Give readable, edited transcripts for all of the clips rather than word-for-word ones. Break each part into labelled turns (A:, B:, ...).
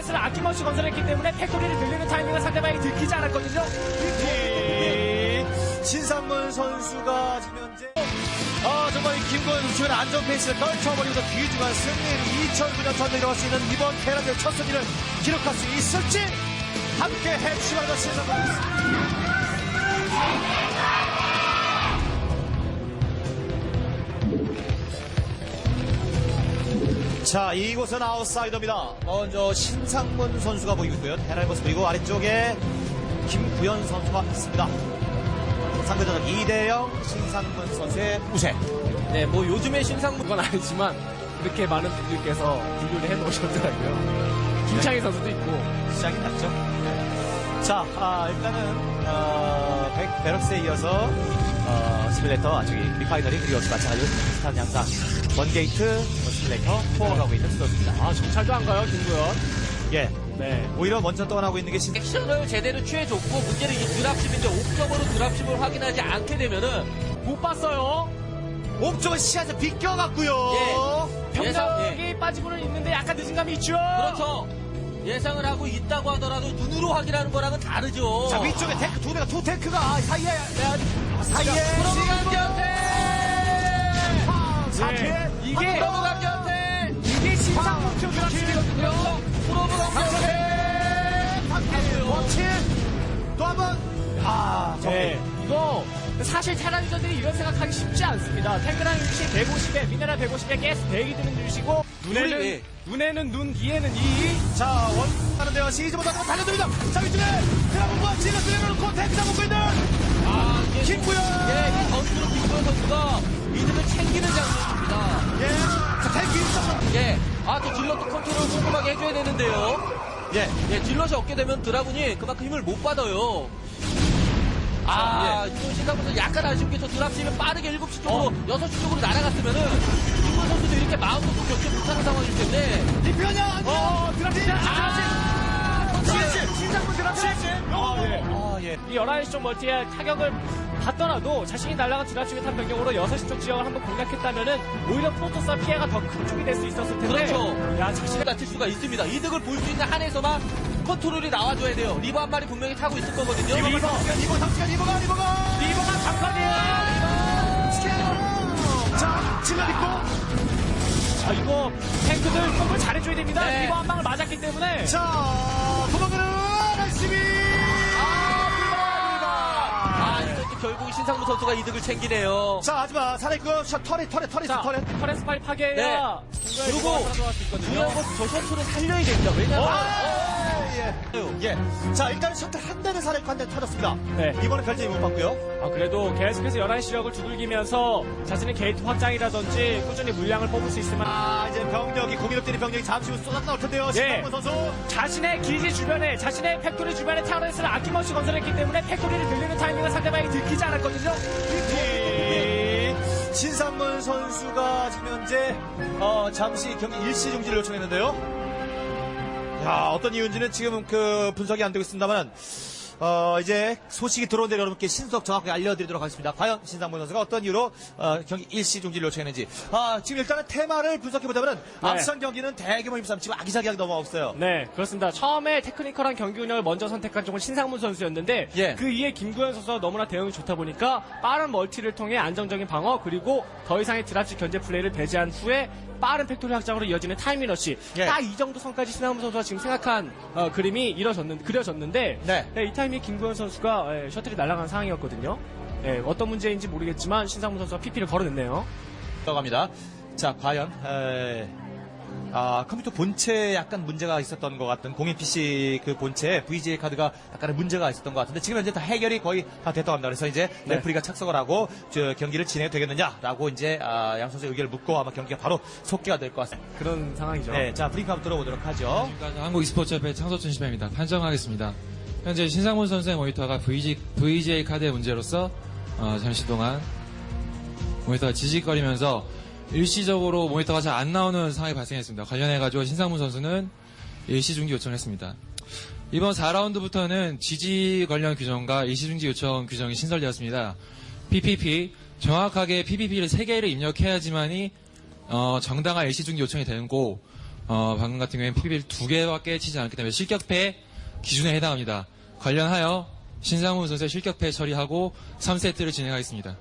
A: 타워레스를 아낌없이 건설했기 때문에 팩토리를 늘리는 타이밍을 상대방이 들키지 않았거든요.
B: 신상문 선수가 지금 현재 정말 이 김구현 선수의 안전 페이스를 떨쳐버리면서 귀중한 승리를 2009년 전에 이뤄갈 수 있는 이번 테란의 첫 승리를 기록할 수 있을지 함께 해주시면 신상문 자, 이곳은 아웃사이더입니다. 먼저 신상문 선수가 보이고 있고요. 테란의 모습 보이고 아래쪽에 김구현 선수가 있습니다. 상대전은 2대0 신상문 선수의 우세.
A: 네, 뭐 요즘에 신상문 건 아니지만 이렇게 많은 분들께서 분류를 해놓으셨더라고요. 김창희 선수도 있고.
B: 시작이 났죠. 자, 일단은 베럭스에 이어서 시뮬레이터 저기 리파이너리 그리고 마찬가지로 비슷한 양상 원게이트 시뮬레이터 포워가고 있는 선수입니다.
A: 아, 정찰도 안 가요, 김구현.
B: 예.
A: 네.
B: 오히려 먼저 떠나고 있는 게
C: 액션을 제대로 취해줬고 문제는 이 드랍십인데 옥점으로 드랍십을 확인하지 않게 되면은
A: 못 봤어요.
B: 옥쪽은 시야에서 비껴갔고요.
C: 예.
A: 병력이 빠지고는 있는데 약간 늦은 감이 있죠.
C: 그렇죠. 예상을 하고 있다고 하더라도 눈으로 확인하는 거랑은 다르죠.
B: 자, 위쪽에 탱크 두 대가 두 탱크가 사이에
C: 프로브 강경태!
B: 사태
A: 이게
C: 프로브 강경태!
A: 이게 신상문 표 드랍십이거든요.
C: 프로브 강경태!
B: 원칠 또 한번
A: 네. 이거 사실 테란전들이 이런 생각하기 쉽지 않습니다. 탱크랑 유닛이 150에 미네랄 150에 가스 100이 드는 유닛이고
C: 예.
A: 눈에는 눈, 이에는 이.
B: 자, 원하는데요. 시즈보다 달려듭니다. 자, 위쪽에 드라군과 지금 들여놓고 탱크 잡고 있는 김구현.
C: 이 선수로 김구현 선수가 이득을 챙기는 장면입니다.
B: 예. 자, 탱크 있어.
C: 예. 또 딜러도 컨트롤 꼼꼼하게 해줘야 되는데요.
B: 예.
C: 예, 딜러시 없게 되면 드라군이 그만큼 힘을 못 받아요. 또 신상부터 약간 아쉬운 게 저 드랍십이 빠르게 7시 쪽으로, 6시 쪽으로 날아갔으면은, 김구현 선수도 이렇게 마음도 겪지 못하는 상황이기 때문에,
B: 리표냐?
A: 드랍십! 신상문 드랍십!
B: 예.
A: 이 11시 쪽 멀티에 타격을 받더라도 자신이 날아간 드랍십에 탄 병력으로 6시 쪽 지역을 한번 공략했다면은 오히려 프로토스와 피해가 더 큰 쪽이 될 수 있었을 텐데.
C: 그렇죠.
A: 야, 자신의
C: 다칠 수가 있습니다. 이득을 볼 수 있는 한에서만 컨트롤이 나와줘야 돼요. 리버 한 마리 분명히 타고 있을 거거든요.
B: 리버가
A: 강판이에요!
B: 자, 질러 있고.
A: 자, 이거 탱크들 폼을 잘해줘야 됩니다.
C: 네.
A: 리버 한 방을 맞았기 때문에.
B: 자, 도망가는 RCB.
C: 이것도 결국 신상무 선수가 이득을 챙기네요.
B: 자, 하지만 살아있고 터렛
A: 자,
B: 터렛.
A: 터렌스 파이 파괴해야
C: 그리고
A: 들어갈 수 있거든요.
C: 중요한 건 저 셔틀을 살려야 됩니다. 왜냐면
B: 예. 자, 일단 셔틀 한 대는 살아있고 한 대는 터졌습니다.
A: 네.
B: 이번에 별점이 못 받고요.
A: 그래도 계속해서 11시 지역을 두들기면서 자신의 게이트 확장이라든지 꾸준히 물량을 뽑을 수 있으면
B: 이제 병력이 공인업들이 병력이 잠시 후 쏟아 나올 텐데요.
A: 예.
B: 신상문 선수.
A: 자신의 기지 주변에 자신의 팩토리 주변에 타워레스를 아낌없이 건설했기 때문에 팩토리를 늘리는 타이밍을 상대방이 들키지 않았거든요.
B: 신상문 선수가 지금 현재 잠시 경기 일시 중지를 요청했는데요. 야, 어떤 이유인지는 지금 분석이 안 되고 있습니다만 이제 소식이 들어온 대로 여러분께 신속 정확하게 알려드리도록 하겠습니다. 과연 신상문 선수가 어떤 이유로 경기 일시 중지를 요청했는지. 지금 일단은 테마를 분석해보자면 앞선 경기는 대규모 힘싸움 치고 아기자기하게 넘어가고 있어요.
A: 네, 그렇습니다. 처음에 테크니컬한 경기 운영을 먼저 선택한 쪽은 신상문 선수였는데
B: 예.
A: 그 이에 김구현 선수가 너무나 대응이 좋다 보니까 빠른 멀티를 통해 안정적인 방어 그리고 더 이상의 드랍식 견제 플레이를 배제한 후에 빠른 팩토리 확장으로 이어지는 타이밍러시.
B: 예.
A: 딱 이 정도 선까지 신상문 선수가 지금 생각한 그림이 그려졌는데
B: 네.
A: 이 타이밍에 김구현 선수가 셔틀이 날아간 상황이었거든요. 어떤 문제인지 모르겠지만 신상문 선수가 PP를 걸어냈네요.
B: 들어갑니다. 자, 과연 컴퓨터 본체에 약간 문제가 있었던 것 같은 공인 PC 그 본체에 VGA 카드가 약간의 문제가 있었던 것 같은데 지금 현재 다 해결이 거의 다 됐다고 합니다. 그래서 이제
A: 네.
B: 레프리가 착석을 하고 경기를 진행해도 되겠느냐라고 이제 양 선수의 의견을 묻고 아마 경기가 바로 속개가 될 것 같습니다.
A: 그런 상황이죠.
B: 네, 자 브링크 한번 들어보도록 하죠.
D: 지금까지 한국 e스포츠협회 창소춘 시배입니다. 판정하겠습니다. 현재 신상문 선수의 모니터가 VGA 카드의 문제로서 잠시 동안 모니터가 지직거리면서 일시적으로 모니터가 잘 안 나오는 상황이 발생했습니다. 관련해가지고 신상문 선수는 일시 중지 요청을 했습니다. 이번 4라운드부터는 지지 관련 규정과 일시 중지 요청 규정이 신설되었습니다. PPP, 정확하게 PPP를 3개를 입력해야지만이 정당한 일시 중지 요청이 되는 거 방금 같은 경우에는 PB를 2개밖에 치지 않기 때문에 실격패 기준에 해당합니다. 관련하여 신상문 선수의 실격패 처리하고 3세트를 진행하겠습니다.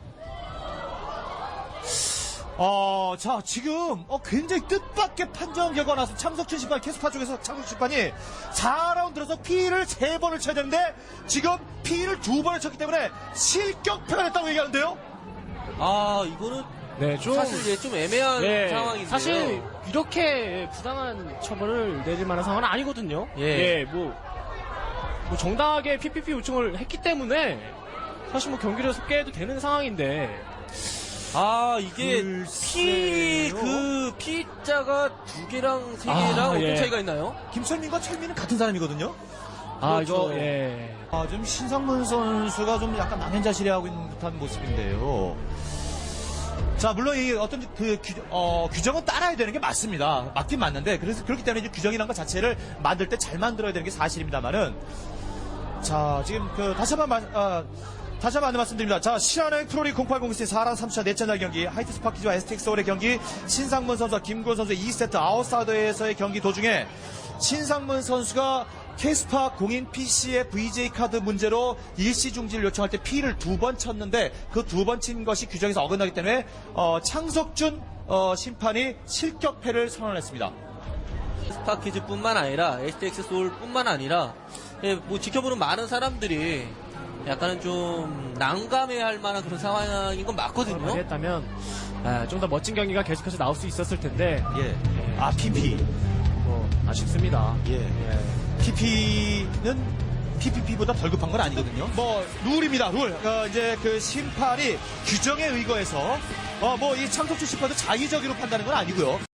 B: 자, 지금, 굉장히 뜻밖의 판정 결과가 나서 창석준 심판, 캐스파 쪽에서 창석준 심판이 4라운드에서 P를 3번을 쳐야 되는데, 지금 P를 2번을 쳤기 때문에 실격패가 됐다고 얘기하는데요?
C: 이거는
A: 네, 좀
C: 사실 좀 애매한
A: 예,
C: 상황인데요.
A: 사실 이렇게 부당한 처벌을 내릴 만한 상황은 아니거든요.
C: 예.
A: 뭐 정당하게 PPP 요청을 했기 때문에 사실 뭐 경기를 깨도 되는 상황인데.
C: 이게
B: 글쎄요.
C: P자가 2개랑 3개랑 어떤
A: 예.
C: 차이가 있나요?
B: 김철민과 철민은 같은 사람이거든요?
C: 그렇죠.
A: 이거 예.
B: 좀 신상문 선수가 좀 약간 망연자실해하고 있는 듯한 모습인데요. 자, 물론 이 어떤 규정은 따라야 되는 게 맞습니다. 맞긴 맞는데, 그래서 그렇기 때문에 이제 규정이란 것 자체를 만들 때 잘 만들어야 되는 게 사실입니다만은, 자, 지금 다시 한번 안내 말씀드립니다. 자, 신한은행 프로리그 0807 4랑 3차 넷째 경기, 하이트 스파키즈와 STX 서울의 경기, 신상문 선수와 김구현 선수의 2세트 아웃사이더에서의 경기 도중에 신상문 선수가 캐스파 공인 PC의 VJ 카드 문제로 일시 중지를 요청할 때 P를 2번 쳤는데 그 2번 친 것이 규정에서 어긋나기 때문에 창석준 심판이 실격패를 선언했습니다.
C: 스파키즈뿐만 아니라 STX 소울뿐만 아니라 뭐 지켜보는 많은 사람들이 약간은 좀 난감해할 만한 그런 상황인 건 맞거든요.
A: 했다면 좀 더 멋진 경기가 계속해서 나올 수 있었을 텐데
B: 예. PP.
A: 뭐 아쉽습니다.
B: 예. PP는 PPP보다 덜 급한 건 아니거든요. 뭐 룰입니다. 룰. 이제 그 심판이 규정에 의거해서 뭐 이 창석준 심판도 자의적으로 판다는 건 아니고요.